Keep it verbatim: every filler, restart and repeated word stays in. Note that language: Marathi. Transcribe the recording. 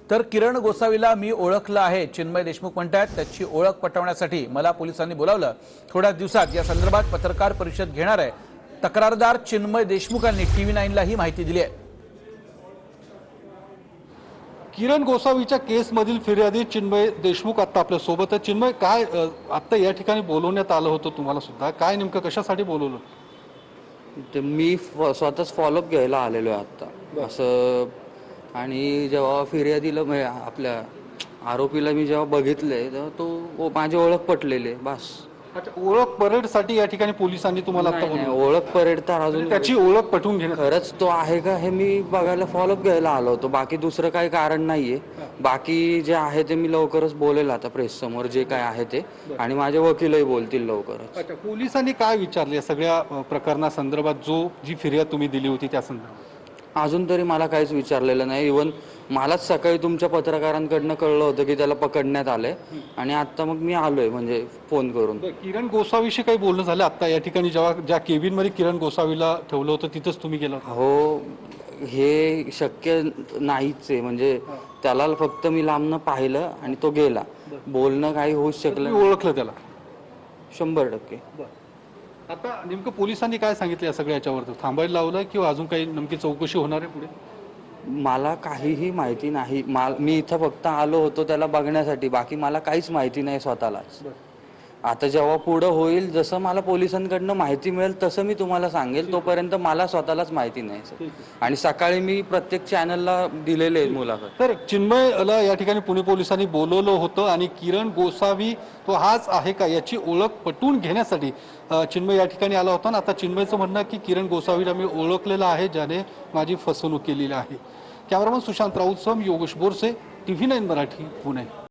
तर किरण गोसावीला मी ओळखलं आहे, चिन्मय देशमुख म्हणतात। त्याची ओळख पटवण्यासाठी मला पोलिसांनी बोलावलं। थोड्या दिवसात या संदर्भात पत्रकार परिषद घेणार आहे। तक्रारदार चिन्मय देशमुखांनी टीव्ही नाईन ला ही माहिती दिली आहे। किरण गोसावीच्या केसमधील फिर्यादी चिन्मय देशमुख आता आपल्या सोबत आहे। चिन्मय, काय आता या ठिकाणी बोलवण्यात आलं होतं तुम्हाला सुद्धा, काय नेमकं कशासाठी बोलवलं? ते मी स्वतःच फॉलोअप घ्यायला आलेलो आहे आता असं। आणि जेव्हा फिर्यादीला म्हणजे आपल्या आरोपीला मी जेव्हा बघितले तेव्हा तो माझी ओळख पटलेली आहे बस। अच्छा, ओळख परेडसाठी या ठिकाणी पोलिसांनी तुम्हाला आता नाही, नाही, बोलवलं? ओळख परेड तर अजून त्याची ओळख पटवून घेणं खरंच तो आहे का हे मी बघायला फॉलोअप घ्यायला आलो होतो, बाकी दुसरं काही कारण नाहीये। बाकी जे आहे ते मी लवकरच बोलेल आता प्रेस समोर जे काय आहे ते, आणि माझे वकीलही बोलतील लवकरच। अच्छा, पोलिसांनी काय विचारले या सगळ्या प्रकरणासंदर्भात, जो जी फिर्याद तुम्ही दिली होती त्या संदर्भात? अजून तरी मला काहीच विचारलेलं नाही। इव्हन मलाच सकाळी तुमच्या पत्रकारांकडनं कळलं होतं की त्याला पकडण्यात आलंय, आणि आता मग मी आलोय म्हणजे फोन करून। किरण गोसावीशी काही बोलणं झालं आता या ठिकाणी, जेव्हा ज्या केबिन मध्ये किरण गोसावीला ठेवलं होतं तिथंच तुम्ही गेला होता? हो, हे शक्य नाहीच आहे, म्हणजे त्याला फक्त मी लांबनं पाहिलं आणि तो गेला, बोलणं काही होऊच शकलं तुम्ही ओळखलं त्याला? शंभर टक्के। आता नेमकं पोलिसांनी काय सांगितलं या सगळ्या याच्यावर? थांबायला लावलंय किंवा अजून काही नेमकी चौकशी होणार आहे पुढे? मला काहीही माहिती नाही। मी इथं फक्त आलो होतो त्याला बघण्यासाठी, बाकी मला काहीच माहिती नाही स्वतःलाच। आता जेव्हा पुढं होईल, जसं मला पोलिसांकडनं माहिती मिळेल तसं मी तुम्हाला सांगेल, तोपर्यंत मला स्वतःलाच माहिती नाही। आणि सकाळी मी प्रत्येक चॅनलला दिलेले मुलाखत। तर चिन्मयला या ठिकाणी पुणे पोलिसांनी बोलवलं होतं, आणि किरण गोसावी तो हाच आहे का याची ओळख पटवून घेण्यासाठी चिन्मय या ठिकाणी आला होता। आता चिन्मयचं म्हणणं की किरण गोसावीला मी ओळखलेलं आहे, ज्याने माझी फसवणूक केलेली आहे। कॅमेरामन सुशांत राऊत सम योगेश बोरसे, टीव्ही नाईन मराठी, पुणे।